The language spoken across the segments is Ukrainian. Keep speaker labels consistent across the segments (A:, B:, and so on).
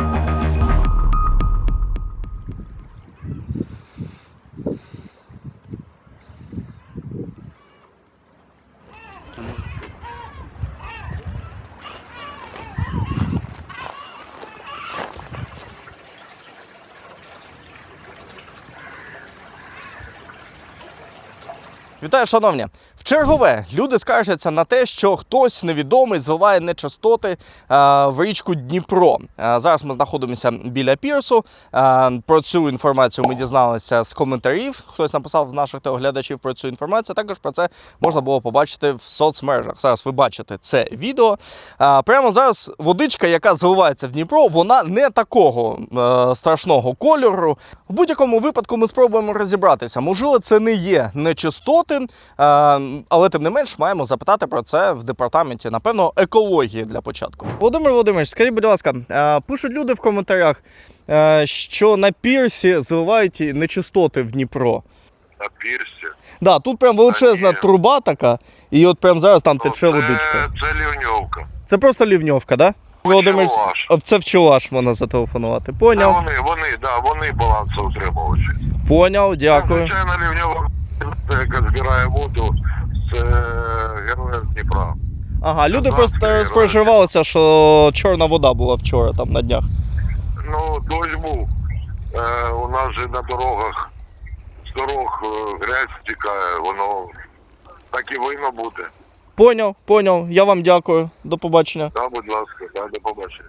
A: Вітаю, шановні! Вчергове люди скаржаться на те, що хтось невідомий зливає нечистоти в річку Дніпро. Зараз ми знаходимося біля пірсу. Про цю інформацію ми дізналися з коментарів. Хтось написав з наших телеглядачів про цю інформацію. Також про це можна було побачити в соцмережах. Зараз ви бачите це відео. Прямо зараз водичка, яка зливається в Дніпро, вона не такого страшного кольору. В будь-якому випадку ми спробуємо розібратися. Можливо, це не є нечистоти, але тим не менш маємо запитати про це в департаменті, напевно, екології для початку. Володимир Володимирович, скажіть, будь ласка, пишуть люди в коментарях, що на пірсі зливають нечистоти в Дніпро.
B: На пірсі?
A: Да, тут прям величезна труба така, і от прям зараз там тече водичка.
B: Це лівньовка.
A: Це просто лівньовка, так? Да? Володимир, це в Чуваш можна зателефонувати. Поняв?
B: Вони балансоутримувачі.
A: Поняв, дякую.
B: Звичайно, лівньовка, яка збирає воду з героїв Дніпра.
A: Ага, люди просто спереживалися, що чорна вода була вчора, там, на днях.
B: Ну, дощ був. У нас же на дорогах, з дорог грязь стікає, воно так і винно бути.
A: Поняв. Я вам дякую. До побачення.
B: Так, будь ласка, до побачення.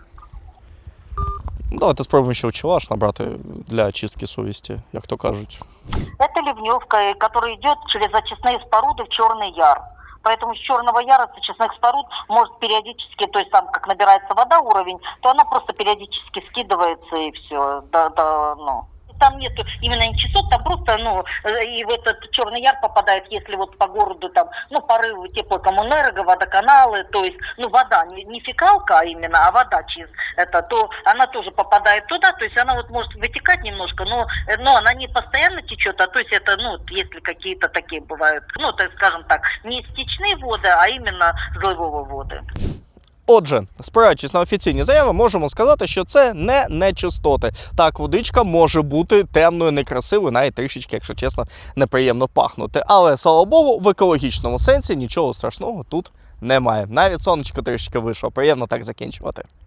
A: Давайте спробуємо ще Чуваш набрати для очистки совісті, як то кажуть.
C: Это ливневка, которая идет через очистные споруды в Черный Яр. Поэтому с Черного Яра, с очистных споруд, может периодически, то есть там как набирается вода, уровень, то она просто периодически скидывается и все. Там нет именно нечистот, там просто, и в этот Черный Яр попадает, если вот по городу там, порывы теплокоммунерго, водоканалы, то есть, вода, не фекалка именно, а вода через это, то она тоже попадает туда, то есть она вот может вытекать немножко, но она не постоянно течет, а то есть это, если какие-то такие бывают, так скажем так, не стечные воды, а именно зливовые воды.
A: Отже, спираючись на офіційні заяви, можемо сказати, що це не нечистоти. Так, водичка може бути темною, некрасивою, навіть трішечки, якщо чесно, неприємно пахнути. Але, слава Богу, в екологічному сенсі нічого страшного тут немає. Навіть сонечко трішечки вийшло. Приємно так закінчувати.